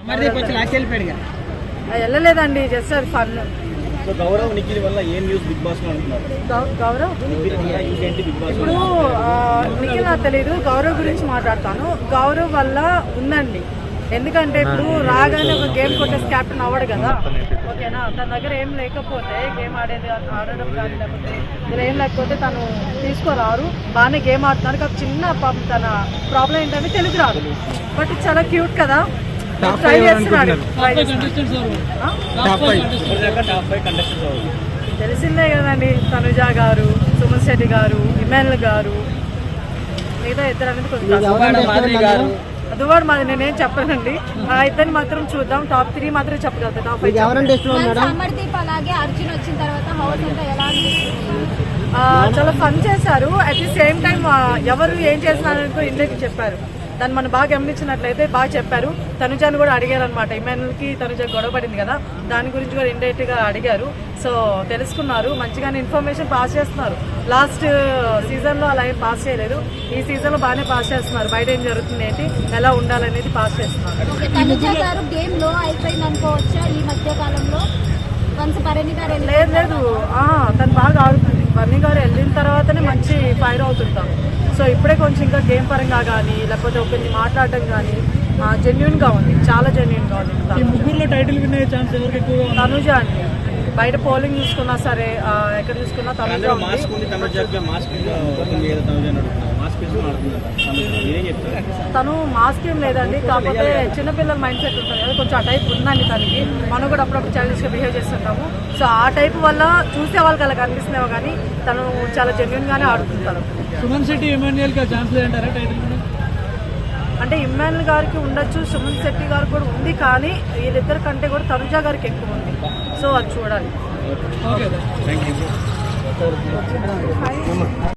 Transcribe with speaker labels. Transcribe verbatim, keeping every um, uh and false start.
Speaker 1: వెళ్ళలేదండి, జస్ట్ అది ఫన్.
Speaker 2: గౌరవ్ నిఖిల్ వల్ల ఏం న్యూస్ బిగ్ బాస్ లో అంటున్నారు?
Speaker 1: గౌరవ్ ఇప్పుడు నిఖిల్ నాకు తెలీదు, గౌరవ్ గురించి మాట్లాడతాను. గౌరవ్ వల్ల ఉందండి, ఎందుకంటే ఇప్పుడు రాగానే ఒక గేమ్ కొట్టేసి క్యాప్టెన్ అవ్వడు కదా, ఓకేనా. తన దగ్గర ఏం లేకపోతే గేమ్ ఆడేది ఆడడం కానీ లేకపోతే ఇలా ఏం లేకపోతే తను తీసుకోరారు. బాగానే గేమ్ ఆడుతున్నారు, కాకపోతే చిన్న పాపం తన ప్రాబ్లం ఏంటంటే తెలుగు రాదు, బట్ చాలా క్యూట్ కదా, ట్రై చేస్తున్నాడు. తెలిసిందే కదండి, తనుజ గారు, సుమన్ శెట్టి గారు, ఇమానుయల్ గారు, మిగతా ఇద్దరు అనేది కొంచెం దువాడు మాది నేనేం చెప్పానండి. ఆ ఇద్దరిని మాత్రం చూద్దాం, టాప్ త్రీ మాత్రం చెప్పగలుగుతా. టాప్ ఫైవ్ చాలా ఫన్ చేశారు. అట్ ది సేమ్ టైం ఎవరు ఏం చేస్తున్నారని ఇండియాకి చెప్పారు. దాన్ని మనం బాగా గమనించినట్లయితే బాగా చెప్పారు. తనుజాను కూడా అడిగారు అనమాట, ఇమానుయల్కి తనుజ గొడవ పడింది కదా, దాని గురించి కూడా ఇండైరెక్ట్ గా అడిగారు. సో తెలుసుకున్నారు, మంచిగానే ఇన్ఫర్మేషన్ పాస్ చేస్తున్నారు. లాస్ట్ సీజన్ లో అలా ఏం పాస్ చేయలేదు, ఈ సీజన్ లో బాగానే పాస్ చేస్తున్నారు. బయట ఏం జరుగుతుంది ఏంటి, ఎలా ఉండాలనేది పాస్ చేస్తున్నారు. లేదు లేదు, తను బాగా ఆడుతుంది. బర్నీ గారు వెళ్ళిన తర్వాతనే మంచి ఫైర్ అవుతుంటాం. సో ఇప్పుడే కొంచెం ఇంకా గేమ్ పరంగా కానీ లేకపోతే ఒకరిని మాట్లాడడం కానీ జెన్యున్ గా ఉంది, చాలా జెన్యున్ గా ఉంది.
Speaker 2: ముగ్గురులో టైటిల్ వినే ఛాన్స్ ఎవరికి ఎక్కువ?
Speaker 1: తనుజ అండి, బయట పోలింగ్ చూసుకున్నా సరే, ఎక్కడ చూసుకున్నా తనుజ. తను మాస్క్ ఏం లేదండి, కాకపోతే చిన్నపిల్లల మైండ్ సెట్ ఉంటుంది కదా, కొంచెం ఆ టైప్ ఉందండి తనకి. మనం కూడా అప్పుడప్పుడు చైల్డిష్ గా బిహేవ్ చేస్తుంటాము. సో ఆ టైప్ వల్ల చూసే వాళ్ళకి అలా కనిపిస్తున్నామో కానీ తను చాలా జెన్యున్ గానే ఆడుతుంటారు.
Speaker 2: సుమన్ శెట్టి ఇమాన్యుయల్ కి ఛాన్స్ లేదంటారా టైటిల్?
Speaker 1: అంటే ఇమాన్యుయల్ గారికి ఉండొచ్చు, సుమన్ శెట్టి గారు కూడా ఉంది, కానీ వీళ్ళిద్దరి కంటే కూడా తనుజ గారికి ఎక్కువ ఉంది. సో అది చూడాలి.